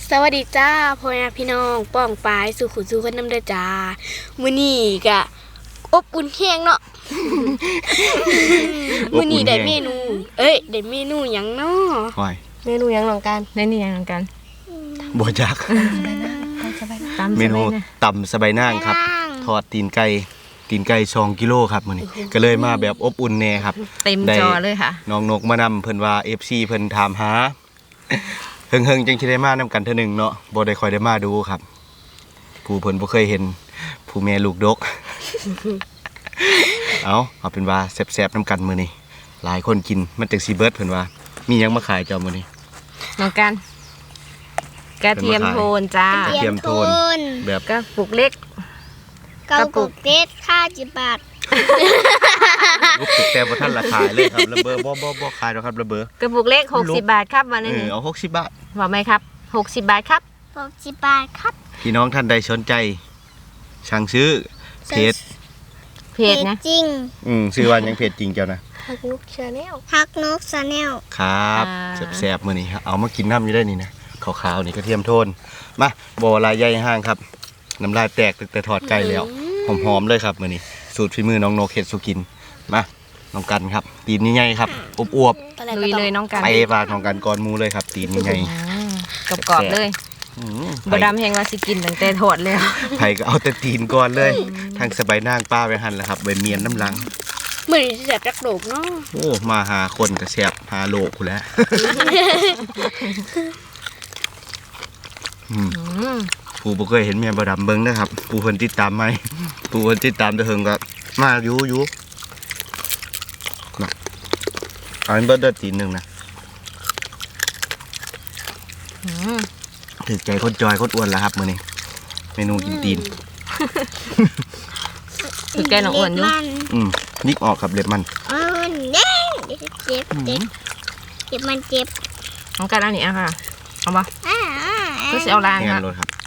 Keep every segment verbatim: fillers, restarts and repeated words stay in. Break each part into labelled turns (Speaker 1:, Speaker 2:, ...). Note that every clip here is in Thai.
Speaker 1: สวัสดีจ้าพ่อแม่พี่น้องป้องปายสู่ขุนสู่กันน้ำเด้อจ้ามื้อนี้ก็อบอุ่นแห้งเนาะ มื้อนี้ได้เมนูเอ้ยได้เมนูหยังเนาะ
Speaker 2: หอย
Speaker 3: เมนูยังหลังกันเมนูยังหลังกัน
Speaker 2: บัวจัก
Speaker 3: ตำ
Speaker 2: เมนู
Speaker 3: สบายนะ
Speaker 2: ตำสบายนางครับทอดตีนไก่ตีนไก่สองกิโลครับมื้อนี้ก็เลยมาแบบอบอุ่นแน่ครับ
Speaker 3: เต็ม
Speaker 2: ได้
Speaker 3: จอเลยค่ะ
Speaker 2: น้องนกมานำเพิ่นว่า เอฟ ซี เพิ่นถามหา เฮิงๆจังสิได้มานำกันเทื่อหนึงเนาะบ่ได้ค่อยได้มาดูครับ ผู้เพิ่นบ่เคยเห็นผู้แม่ลูกดก เอาเอาเป็นว่าแซ่บๆนำกันมื้อนี้หลายคนกินมันจังสิเบิดเพิ่นว่า มีหยังมาขายเจ้ามื้อนี้
Speaker 3: หลังกันกระเทียมโทนจ้าก
Speaker 2: ระเทียมโทนแบบ
Speaker 3: กระปุกเล็ก
Speaker 1: เกากุกเต็ดค่าจิบบาท
Speaker 2: ลูกติดแต่บ่ทันราคายเลยครับระเบ้อบ่บ่บ่ขายดอกครับระเบ้อก
Speaker 3: ระปุกเล็กหกสิบบาทครับวัน
Speaker 2: เอ
Speaker 3: นี้
Speaker 2: อเอาหกสิบบาท
Speaker 3: บอกไหมครับหกสิบบาทครับ
Speaker 1: หกสิบบาทครับ
Speaker 2: พี่น้องท่านใดสนใจสั่งซื้อเพจ
Speaker 3: เพจนะ
Speaker 1: จริง
Speaker 2: อืมชื่อว่าหยังเพจจริงเจ้านะ
Speaker 1: ฮักนุกชาแนลฮักนุกชาแนล
Speaker 2: ครับแซ่บๆมื้อนี้ครับเอามากินน้ำอยู่ได้นี่นะขาวๆนี่กระเทียมโทนมาบ่ลายใหญ่ห้างครับน้ำลายแตกตั้งแต่ทอดไก่แล้วหอมๆเลยครับมื้อนี้สูตรฝีมือน้องโนเฮ็ดสุกินมาน้องกันครับตีนใหญ่ๆครับอวบ
Speaker 3: ลุยเลยน้องกัน
Speaker 2: ๆไปฝากน้องกันก่อนหมูเลยครับตีนใหญ่
Speaker 3: กรอบๆเลย
Speaker 2: ๆอืม
Speaker 3: บดำแหงว่าสิกินตั้งแต่ทอดแล้ว
Speaker 2: ไผก็เอาแต่ตีนก่อนเลยทางสบายนางป้าไปหั่นแล้วครับใบเมียนน้ำลัง
Speaker 1: มื้อนี้สิแซ่บจักโดกเนาะ
Speaker 2: โอ้มาหาคนกระแซบหาโลกกูแล้ว อืม
Speaker 3: อืม
Speaker 2: ปูบ่เคยเห็นเมียบ่ดำเบิ่งนะครับปูเพิ่นติดตามไหมปูเพิ่นติดตามแต่เฮิงก็มาอยู่อยู่นะเอาอันเบิดเด้อตีนหนึงนะ
Speaker 3: อืม
Speaker 2: ถึกใจคนจอยคนอ้วนแล้วครับมื้อนี้เมนูกินตีน
Speaker 3: คือแกน้องอ้วนอยู่
Speaker 2: อืมนิกออกครับเล็บมัน
Speaker 1: มันเด้งเดี๋ยวจะเจ็บเจ็บเจ็บมันเจ็บ
Speaker 3: น้องกันเอานี่อ่ะค่ะเอาปะ
Speaker 1: อ่า
Speaker 3: ก็สิเอาล้าง
Speaker 2: งา
Speaker 3: ค่ะ
Speaker 2: นรถครับ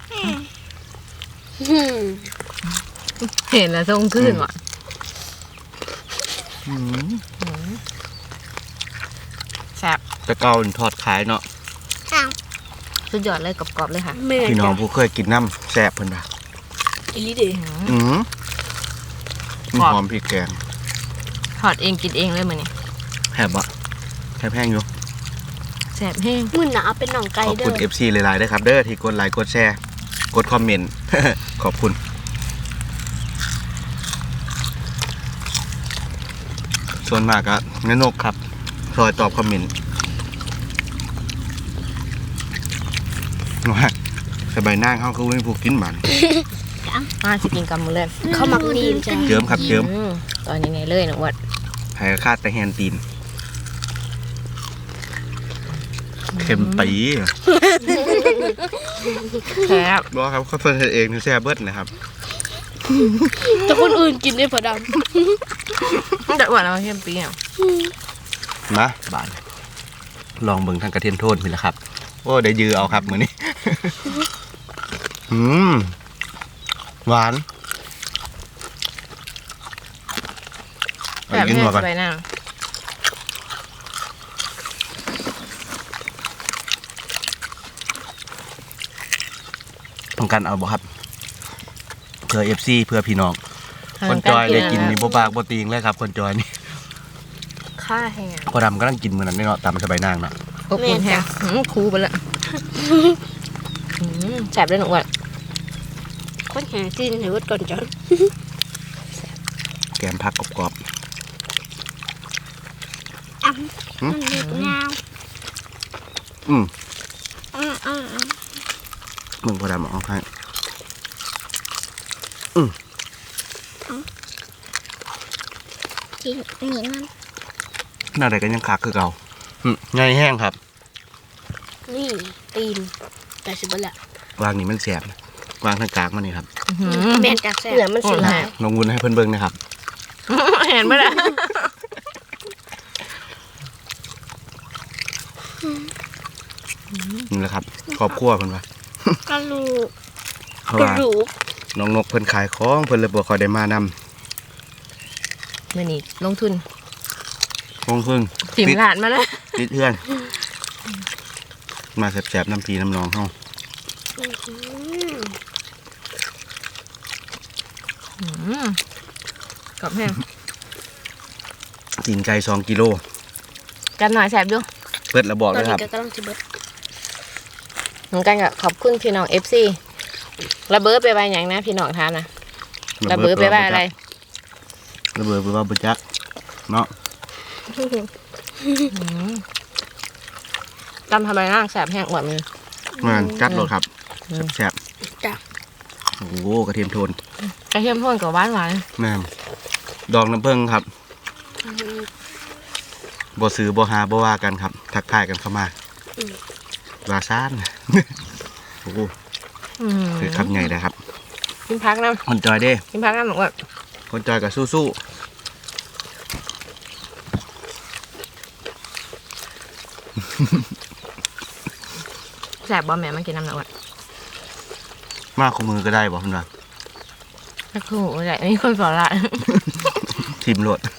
Speaker 3: เห็นแล้วทรงขึ้นว่ะ
Speaker 2: อืม
Speaker 3: แซ่บ
Speaker 2: แต่เก่าทอดขายเนาะ
Speaker 1: อ้าว
Speaker 3: สุดยอดเลยกรอบๆเลยค่ะ
Speaker 1: แม่
Speaker 2: พี่น้อง
Speaker 1: จ้ะ
Speaker 2: ผู้เคยกินน้ำแซ่บเพิ่นว่า
Speaker 1: อีหลีเด้อ
Speaker 2: อืมหอมพริกแกง
Speaker 3: ทอดเองกินเองเลยมื้อนี้
Speaker 2: แหบอ่ะแหบแห้งอยู่
Speaker 3: แซ่บแห้ง
Speaker 1: มื้อหนาเอาเป็นหนองไก่
Speaker 2: ขอบ
Speaker 1: เด้
Speaker 2: คุณ
Speaker 1: อ
Speaker 2: เอฟ ซี หลายๆด้วยครับเด้อที่กดไลค์กดแชร์กดคอมเมนต์ ขอบคุณส่วนมากอะแม่นกครับคอยตอบคอมเมนต์ว่าสบายนั่งเขาคือไม่ผูกกินมัน
Speaker 3: มาสิกินกับหมูเลย
Speaker 1: เขามักดีนจ้ะ
Speaker 2: เจิมครับเจิม
Speaker 3: อืมตอนนี้ไงเลยน้องอ้วน
Speaker 2: ให้คาดแต่แฮนตีนเข็มปี
Speaker 3: แซ่บ
Speaker 2: บอกครับเขาเพิ่นเฮ็ดเองนี่แซ่บเบิดนะครับ
Speaker 1: แต่คนอื่นกินได้พอด
Speaker 3: แต่อ้วนเอาเทียมปีอ่ะ
Speaker 2: มาบานลองเบิ่งทางกระเทียมโทนพี่ละครับโอ้ได้ยือเอาครับมื้อนี้ อืมหวานเอา
Speaker 3: แซ่บ
Speaker 2: กิน
Speaker 3: แห้
Speaker 2: หั
Speaker 3: ง
Speaker 2: วก่อน
Speaker 3: สบายหน้า
Speaker 2: ต้องการเอาบ่ครับเพื่อ เอฟ ซี เพื่อพี่น้องคนจอยได้กินนี่บ่ปากบ่ตีงเลยครับคนจอยนี่
Speaker 3: ค่าแห้ง
Speaker 2: พอดำกำลังกินมื้อนั้นเนาะตามสบายนางเนาะ
Speaker 3: อบอุ่นแห้งอืมคูไปละอืมแซ่บเลยน้องอ้วน
Speaker 1: ำคนแห่ซีนให้เบิดก่อนจ้ะ
Speaker 2: แกมผักกรอบ
Speaker 1: มันเล็กงาว
Speaker 2: ๆอืม
Speaker 1: อืมอืมอืม
Speaker 2: มึงพอดำเอาให้
Speaker 1: กินนี่มัน
Speaker 2: หน้าใดก็ยังคักคือเก่าอืมใหญ่แห้งครับ
Speaker 1: นี่ตีนแต่สิบละ
Speaker 2: วางนี่มันแสบนะวางทางกลางมันนี่ครับ
Speaker 3: อื้อหือ
Speaker 1: แม่นจากแซ่บ
Speaker 3: เหลือมันสิหลาย
Speaker 2: ลองวุ้นให้เพิ่นเบิ่งนะครับ
Speaker 3: เห็นไหมล่ะ
Speaker 2: นี่แหละครับครอบครัวเพิ่นว่าก
Speaker 1: ระลูก
Speaker 2: เพราะ
Speaker 1: กระ
Speaker 2: ว่า
Speaker 1: ลูก
Speaker 2: น้องนกเพิ่นขายของเพิ่นเลยบ่ค่อยได้มานำ
Speaker 3: มื่อนี้ลงทุน
Speaker 2: คงเพิ่ง
Speaker 3: ถิ่ม
Speaker 2: ติด
Speaker 3: หลานมาแล้ว
Speaker 2: ติดเพื่อน มาแสบๆน้ำพีน้ำนองเฮา
Speaker 3: อืมกรอบแห้ง
Speaker 2: ตีนไก่สองกิโล
Speaker 3: กันหน่อยแสบอยู่
Speaker 2: เปิดแล้วบอก
Speaker 1: ต
Speaker 2: เล
Speaker 1: อน
Speaker 2: ยค
Speaker 1: นี้
Speaker 2: รับ
Speaker 1: ก็กำลังจะเบิด
Speaker 3: เหมือนกันกับขอบคุณพี่น้องเอฟซีระเบิดไปไว้อย่างนะพี่น้องทานนะระเบิดไปไว้อะไร
Speaker 2: ระเบิดไปว่าบุจักเนาะ
Speaker 3: จำทำไมร่างแสบแห้งกว่ามี
Speaker 2: มันจัดรสครับแซ่บ
Speaker 1: จ้ะ
Speaker 2: ๆโอ้โหกระเทียมโทน
Speaker 3: กระเทียมโทนกับหวานหวาน
Speaker 2: แม่มดองน้ำผึ้งครับบ่ซื้อบ่หาบ่ว่ากันครับ ทักทายกันเข้ามาลาซาน โอ้โหคือคำใหญ่เลยครับ
Speaker 3: กินพักนะ
Speaker 2: คนจอยเด้
Speaker 3: กินพักนะหนูว่า
Speaker 2: คนจอยกับสู้ๆ
Speaker 3: แสบบ่แม่มากินน้ำหนักว่ะ
Speaker 2: มากคู่มือก็ได้บอกคุณว่า
Speaker 3: สักครู่ใหญ่มีคนสอนละ
Speaker 2: ทีมโหลด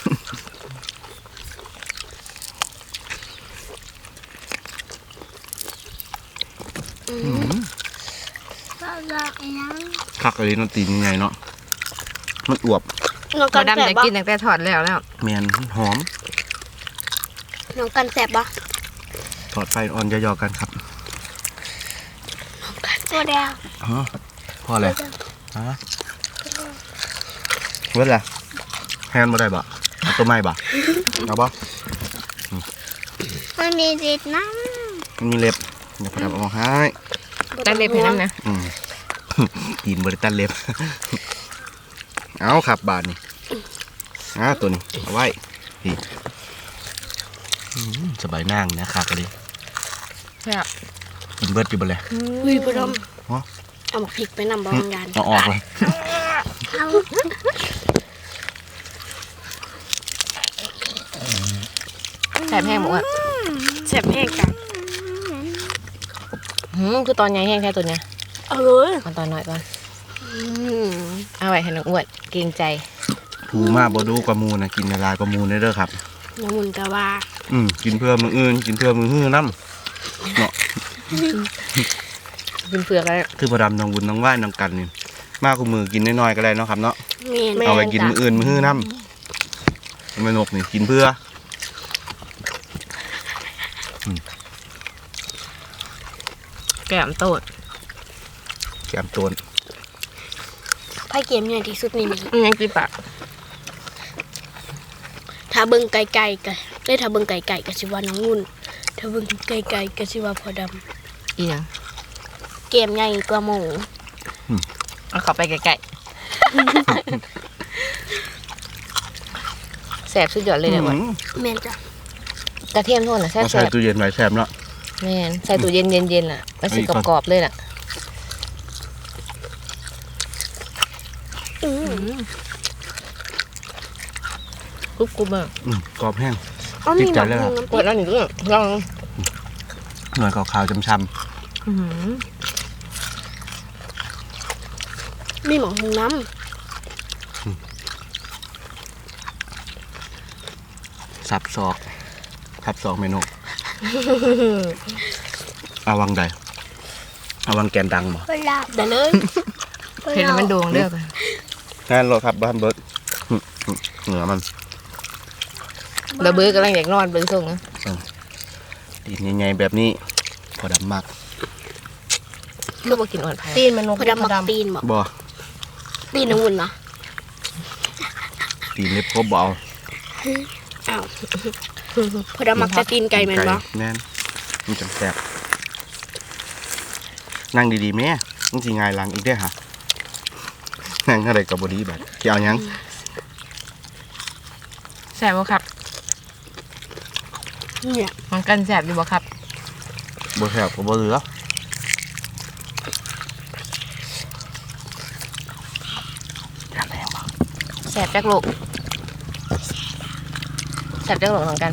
Speaker 2: คักอะไรน้ำตีนยังไงเนาะมันอวบ
Speaker 1: น้อง
Speaker 3: ก
Speaker 1: กั
Speaker 3: ระ
Speaker 1: น
Speaker 3: ดำ
Speaker 1: แสบ
Speaker 3: จะ
Speaker 1: บ่
Speaker 3: กินตั้งแต่ถอดแล้วแล้ว
Speaker 2: เมียนหอม
Speaker 1: น้องกันแสบบ่
Speaker 2: ถอดไฟอ่อนย่อๆกันครับ
Speaker 1: ตัวแดง
Speaker 2: ฮะพออะไรฮะเว้ยล่ะแฮนด์มาได้บ่เอาตัวไม้บ่เอาบ่
Speaker 1: มันมีติดน้
Speaker 2: มันมีเล็บเดี๋ยวพอดำเอาให้
Speaker 1: ำ
Speaker 3: ตั้งเล็บให้น้ำนะ
Speaker 2: อืม กินบริตันเล็บ เอาครับบาทนี่อ่าตัวนี้เอาไว้นี่อืมสบายนั่งนะครับเลย
Speaker 3: แซ่บ
Speaker 2: กินเบิร์ดอยู่บนเลย
Speaker 1: อุ้ยพอดม
Speaker 2: ฮะ
Speaker 1: เอาหมกพริกไปนำบางงาน
Speaker 2: เอาออกเลย
Speaker 1: เอา
Speaker 3: แสบแห้งหมดอ่ะ
Speaker 1: แสบแห้งกัน
Speaker 3: หืมคือตอนใหญ่แห้งแค่ตัวเนี้ย
Speaker 1: เอาเลย
Speaker 3: เอาตอนน้อยก่อน
Speaker 1: อืม
Speaker 3: เอาไว้ให้น้องอ้วนเกรงใจ
Speaker 2: ผูมาบดูกระมูนะกินในลายกระมูนได้เด้อครับ
Speaker 1: น้ำมันกะว่า
Speaker 2: อืมกินเพื่อมืออื่น กินเพื่อมือหื้อน้ำเนาะ
Speaker 3: กินเปลือกแล้ว
Speaker 2: คือพอดำน้องบุญน้องไหว้น้องกันนี่มากกว่ามือกินน้อยๆก็ได้เนาะครับเนาะ
Speaker 1: เมียน
Speaker 3: แม่
Speaker 2: เอาไปกินมืออื่นมือหื้อน้ำมันนกนี่กินเพื่อ
Speaker 3: แก้มโตด
Speaker 2: แกมโจน
Speaker 1: ไพ่เกมเนี่ยที่สุดนี่นี่
Speaker 3: อืมยังกินปาก
Speaker 1: ถ้าเบิ่งไกลๆก็ได้ถ้าเบิ่งไกลๆก็สิว่าน้องงุ่นถ้าเบิ่งไกลๆก็สิว่าพอด
Speaker 3: อีหยัง
Speaker 1: ำเกมใหญ่กว่าหมู
Speaker 3: เอาเข้าไปใกล้ๆแสบสุดยอดเลยเนี่ยว่ะ
Speaker 2: อืม
Speaker 1: แม่นจ้ะ
Speaker 3: กระเทียมโทนอ่ะแซ่
Speaker 2: เอาใส่
Speaker 3: บ
Speaker 2: ตู้เย็นไว้แซ่บเนาะ
Speaker 3: ๆแม่นใส่ตู้เย็นเย็นๆล่ะมันสิ
Speaker 2: เอาอีกก่อน
Speaker 3: กรอบๆเลยล่ะ
Speaker 1: อืม
Speaker 3: กรุบกรุบอ่ะ
Speaker 2: อืมกรอบแห้ง
Speaker 1: อ๋อมีหมัก
Speaker 2: ติดใจเลย
Speaker 1: ห
Speaker 2: อะ
Speaker 1: มูน้ำพ
Speaker 3: ปว
Speaker 1: ริ
Speaker 3: ด
Speaker 1: ก
Speaker 3: แล้วหนึ่งเรื่องลอง
Speaker 2: หน่วยขาวๆช้ำ
Speaker 3: อื้อหือ
Speaker 1: มีหมักหมูน้
Speaker 2: ๆสับซอกสับซอกเมนูเอาวังใดเอาวังแกนดังบ่
Speaker 1: ำเวลาได้เลย
Speaker 3: เห็นแล้วมันโด่งเด้อกัน
Speaker 2: งานรถครับบ้านเบิร์ดอืมอืมเหนือมัน
Speaker 3: ระเบิดกำลังอยากนอนเบิ่งส่งนะ
Speaker 2: ตีนใหญ่ๆแบบนี้พอดำมาก
Speaker 3: คือบ่กินอ่อนไผ่
Speaker 4: ตีนมันนก
Speaker 1: พอดำหมักตีนบ่
Speaker 2: บ่
Speaker 1: ตีนน้ำวุ่นเนาะ
Speaker 2: ตีนเล็บครบบ่เอา
Speaker 1: อ้าวพอดำหมักแต่ตีนไก่แม่นบ่
Speaker 2: แม่นมันจังแซ่บนั่งดีๆแม่มึงสิง่ายหลังอีกเด้อฮะนั่งอะไรกับบดีแบบสิเอาหยัง
Speaker 3: แซ่บบ่ครับ
Speaker 1: เนี่ย
Speaker 3: มันกันแซ่บอยู่บ่ครับ
Speaker 2: บ่แซ่บก็บ่เหลืออยากแรงบ่
Speaker 3: แซ่บจักโลกแซ่บจักโลกเหมือนกัน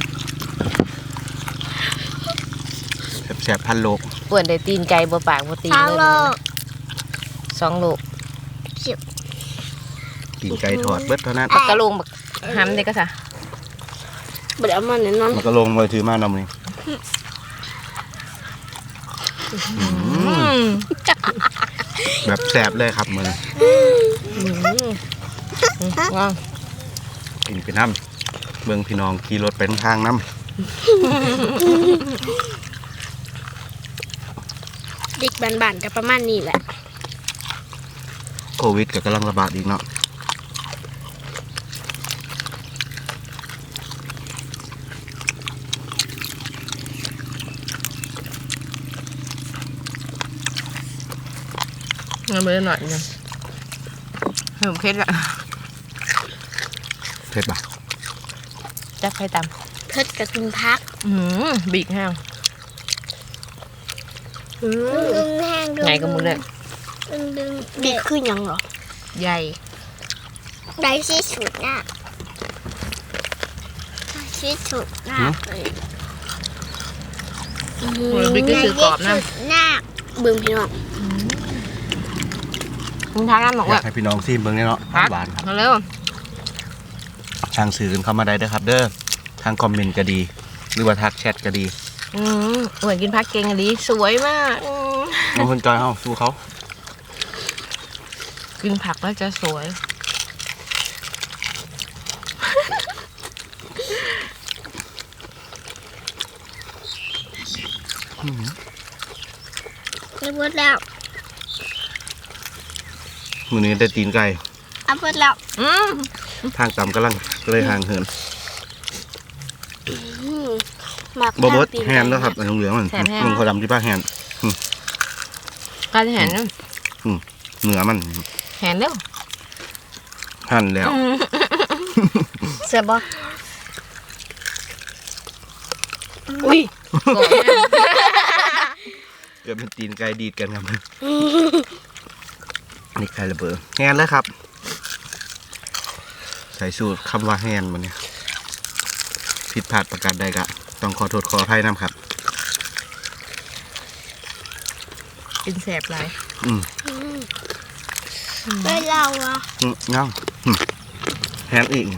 Speaker 2: แซ่บๆพันโลก
Speaker 3: ปวดได้ตีนไก่บ่ปากบ่ตีนเลยสองโลก
Speaker 2: ตีนไก่ทอดเบิดเท่านั้น
Speaker 3: ปักกะโลงบักหำเด้ก็ซะ
Speaker 1: บ่ได้เอามาแน่นอน
Speaker 2: มันก็ลงมาถือมานำนี่
Speaker 3: อืม
Speaker 2: แบบแสบเลยครับมือ
Speaker 3: อืมว้าว
Speaker 2: กินไปน้ำเบิ่งพี่น้องขี่รถไปทางน้
Speaker 1: เด็กบ้านๆก็ประมาณนี้แหละ
Speaker 2: ำโควิดก็กำลังระบาดอีกเนาะ
Speaker 3: เงินเบอร์หน่อยนึงเพิ่มเพชรละ
Speaker 2: เผ็ดปะ
Speaker 3: จับให้ต
Speaker 1: เพิ่นก็กินพัก
Speaker 3: ำอืมบีกแห้ง
Speaker 1: อืม
Speaker 4: ดึงแห้งดึง
Speaker 3: ไงก็มึงเลย
Speaker 4: ดึงดึง
Speaker 1: ดีขึ้นยังเหรอ
Speaker 3: ใหญ่
Speaker 4: ได้ที่สุดน่ะได้ที่สุดน่ะเลย
Speaker 1: อื
Speaker 3: โอ้ยบิ๊กก็คือกรอบนะ
Speaker 4: ได้ที่สุดน่ะ
Speaker 1: เบิ่งพี่น้อง
Speaker 3: มึงทักน้ำบอก
Speaker 2: อยา
Speaker 3: ว่าก
Speaker 2: ให้พี่น้องซิมเบิ่งเนี่ยเนาะ
Speaker 3: พัก
Speaker 2: หวานครับ
Speaker 3: มาเร็ว
Speaker 2: ทางสื่อกันเข้ามาได้เด้อครับ เด้อทางคอมเมนต์ก็ดี หรือว่าทักแชทก็ดี
Speaker 3: อืมเหมือนกินพักเก่งอะดีสวยมากอืม
Speaker 2: น้องคนจอยเฮาสู้เขา
Speaker 3: กินผักแล้วจะสวย
Speaker 4: เอาหมดแล้ว
Speaker 2: มือนี้ได้ตีนไก่
Speaker 4: เอาหมดแล้ว
Speaker 3: อืม
Speaker 2: ทางต่ำกำลังก็เลยห่างเหิน
Speaker 1: อืมหมัก
Speaker 2: บ่เบิด
Speaker 1: ทางตี
Speaker 2: แฮนแล้วครับอันเหลืองๆมันมึงเขาดำที่ป้าแฮน
Speaker 3: การเห็น
Speaker 2: เหนือมัน
Speaker 3: เห็นเร็ว
Speaker 2: หั่นแล้ว
Speaker 1: เสียบ่อุ้ย
Speaker 3: กรอบแห้ง
Speaker 2: เกิดเป็นตีนไก่ดีดกันครับ นี่ไก่ระเบิดแฮนแล้วครับ ใส่สูตรคำว่าแฮนมันเนี่ยผิดพลาดประการใดก็ต้องขอโทษขออภัยน้ำครับ
Speaker 3: กินแสบหลาย
Speaker 2: อืม
Speaker 4: เฮ้ยเราอะ
Speaker 2: อืมเงาอืมแฮนอีก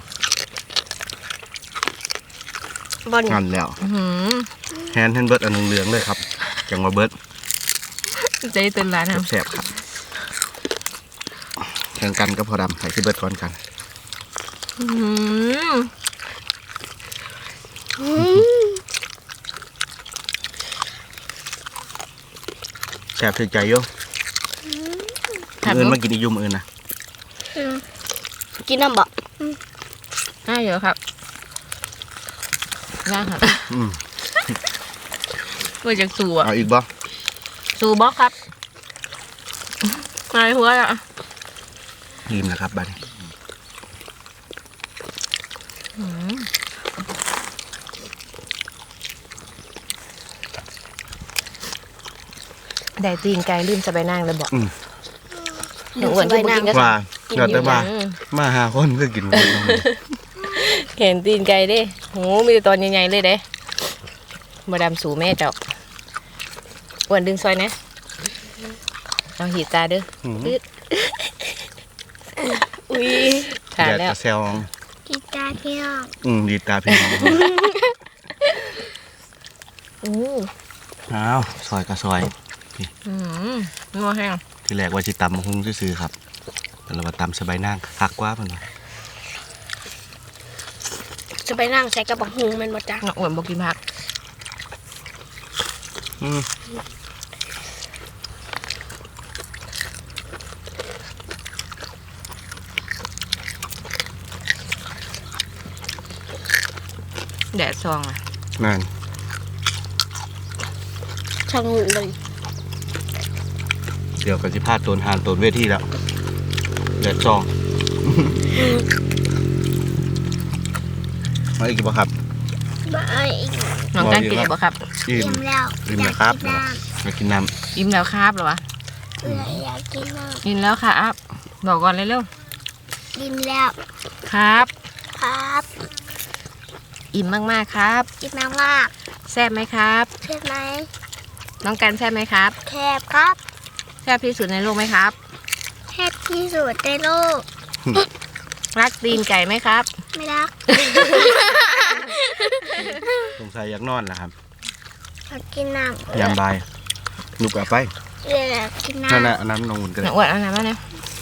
Speaker 1: บอล
Speaker 2: งานแล้ว
Speaker 3: อื้อหือ
Speaker 2: แฮนเห็นเบิร์ดอันเหลืองๆเลยครับจังว่าเบิร์ด
Speaker 3: ใจเต้นร้านนะ
Speaker 2: แสบๆครับแข่งกันก็พอดำใส่ที่เบิร์ดก่อนกัน
Speaker 3: อื้อหือ
Speaker 2: แสบถึงใจโยม
Speaker 3: ถาม
Speaker 2: เงิน
Speaker 3: ดู
Speaker 2: มากินอีกอยุ่มอื่นนะ
Speaker 1: กินน้ำบ่
Speaker 3: น่าเยอะครับน่าครับ
Speaker 2: อืม
Speaker 3: เมื่อจากสูอ่ะ
Speaker 2: เอาอีกบ่
Speaker 3: สูบล็อกครับอะไรหัวอ่ะ
Speaker 2: รีมนะครับบัดนี้
Speaker 3: อื้อได้ตีนไก่ลืมจะไปนั่งเลยบอก
Speaker 2: อืม
Speaker 3: หนูอ้วนที่บุกินก็
Speaker 2: ว่า
Speaker 3: กิน
Speaker 2: เรา
Speaker 3: อ
Speaker 2: แต่
Speaker 3: ยู่
Speaker 2: ว่า
Speaker 3: อืม
Speaker 2: มาหาคนเพื่อกินหมดน้อง
Speaker 3: เห็นตีนไก่เด้โหมีแต่ตอนใหญ่ๆเลยเด้มาดามสูแม่เจ้าอ้วนดึงซอยนะเอาหีดตาเด้อ
Speaker 2: อืม
Speaker 3: อึด
Speaker 1: อุ้ย
Speaker 3: ทาน
Speaker 2: อยาก
Speaker 3: แล้ว
Speaker 2: จะแซว
Speaker 4: กีตาร์พี่น้อง
Speaker 2: อืมดีตาพี่น้อง
Speaker 3: อู้
Speaker 2: อ้าวซอยกับซอย
Speaker 3: อืมนัวแห้ง
Speaker 2: ที่แรกว่าจิตำมาหุ้งซื้อๆครับแต่เรามาตำสบายนั่งคักกว่าเพิ่นว่า
Speaker 1: จะไปนั่งใส่กระบอกหุงแมันบ่จ้ะ
Speaker 3: น้องอ้วนบอกกินผัก
Speaker 2: อืม
Speaker 3: แดดซองอ่ะ
Speaker 2: นั่น
Speaker 1: ช่างเลย
Speaker 2: เดี๋ยวก็สิพาโตนหานโตนเวทีแล้วแดดซอง มาอีกบ่ครับ
Speaker 4: บายอีก
Speaker 3: น้องการกินอะไรบ่ครับ
Speaker 2: อิ่
Speaker 4: อิ่
Speaker 2: ม
Speaker 4: มแล้ว
Speaker 2: อิ่ม
Speaker 4: อยา
Speaker 2: นะ
Speaker 4: ก
Speaker 2: ครับ
Speaker 4: กินน้
Speaker 2: มากินน้
Speaker 3: อิ่มแล้วครับเหรอวะ
Speaker 4: ำเอออยากกินน้
Speaker 3: อิ่มแล้วครับบอกก่อนเลยเร็ว
Speaker 4: ำอิ่มแล้ว
Speaker 3: ๆครับ
Speaker 4: ครับ
Speaker 3: อิ่มมากๆครับ
Speaker 4: อิ่มมากมาก
Speaker 3: แซ่บไหมครับ
Speaker 4: ๆใช่ไหม
Speaker 3: น้องการแซ่บไหมครับ
Speaker 4: แคบครับ
Speaker 3: แซ่บที่สุดในโลกไหมครับ
Speaker 4: แคบที่สุดในโลก
Speaker 3: รักตีนไก่ไหมครับ
Speaker 4: ไม่รัก
Speaker 2: ำสงสัยอยากนอนนะครับ
Speaker 4: อยากกินน้ำ
Speaker 2: ยามบ่ายหนุบเอาไป
Speaker 4: อยากกิน
Speaker 2: นั่น
Speaker 4: น้ำ
Speaker 2: น่ะอันนั้นน้องอุ่นก็
Speaker 3: ห
Speaker 2: ได้
Speaker 3: นักอ้วนเอาน้ำมาเนี่ย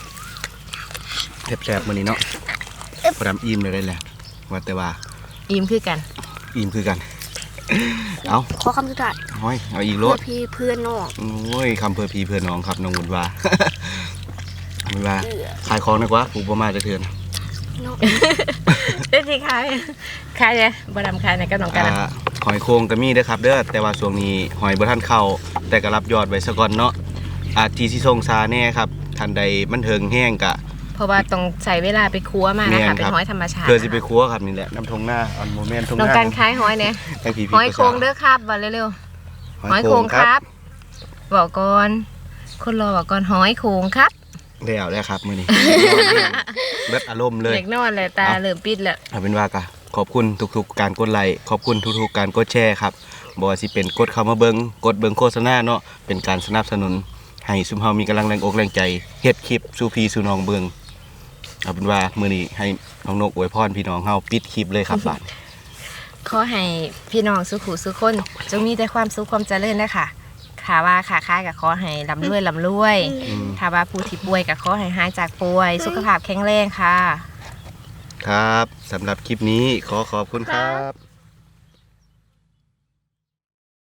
Speaker 2: แซ่บๆมื้อนี้เนาะพอดำอิ่มเลยได้แหละว่าแต่ว่า
Speaker 3: อิ่มคือกัน
Speaker 2: อิ่มคือกัน เอา
Speaker 1: ขอคำสุดท้าย
Speaker 2: ห้อยเอาอีกร
Speaker 1: เพื่อ
Speaker 2: ถ
Speaker 1: พี่เพื่อนน้อง
Speaker 2: โอ้ยคำเพื่อพี่เพื่อน้องครับน้องวุ่นว่า วุ่นว่า
Speaker 1: เอือ
Speaker 2: ขายของดีกว่าผูกประมาจะเถื่อน
Speaker 1: น้อง
Speaker 3: เอ้ยสิขายขายเลยบ่ดำขายในกับน้องกัน
Speaker 2: อ่าหอยโครงก็มีเด้อครับเด้อแต่ว่าช่วงนี้หอยบ่ทันเข้าแต่ก็รับยอดไว้ซะก่อนเนาะอาจที่สิส่งซาแน่ครับทันใดมันเถิงแห้งกะ
Speaker 3: เพราะว่าต้องใช้เวลาไปคั่วมานะคะ
Speaker 2: แม่น
Speaker 3: เป็
Speaker 2: คน รับ
Speaker 3: หอยธรรมชาติ
Speaker 2: เพื่อสิไปครัวครับนี่แหละน้ำทงหน้าอันโมเมนต์ทงห
Speaker 3: น้อง
Speaker 2: น้า
Speaker 3: กันขายหอยเนี่ย
Speaker 2: ทั้งผี
Speaker 3: หอยโครงเด้อครับว่าเร็วๆหอยโครงครับบอกก่อนคนรอบอกก่อนหอยโครงครับ
Speaker 2: แล้วแล้วครับมื้อนี้ เบิดอารมณ์เลย
Speaker 3: เด็กนอนเลยตา
Speaker 2: เอา
Speaker 3: เริ่มปิดแล้ว
Speaker 2: เอาเป็นว่ากะขอบคุณทุกๆการกดไลค์ขอบคุณทุกๆการกดแชร์ครับบ่ว่าสิเป็นกดเข้ามาเบิ่งกดเบิ่งโฆษณาเนาะเป็นการสนับสนุนให้ซุมเฮามีกำลังแรงอกแรงใจเฮ็ดคลิปสู่พี่สู่น้องเบิ่งเอาเป็นว่ามื้อนี้ให้น้องนกอวยพรพี่น้องเฮาปิดคลิปเลยครับบาด
Speaker 3: ขอให้พี่น้องสุขุสุขคนจงมีแต่ความสุขความเจริญนะคะถ้าว่าขาค้ายกับขอให้ลำรวยลำรวย
Speaker 2: อืม
Speaker 3: ถ้าว่าผู้ที่ป่วยกับขอให้หายจากป่วย สุขภาพแข็งแรงค่ะ
Speaker 2: ครับสำหรับคลิปนี้ขอขอบคุณครับ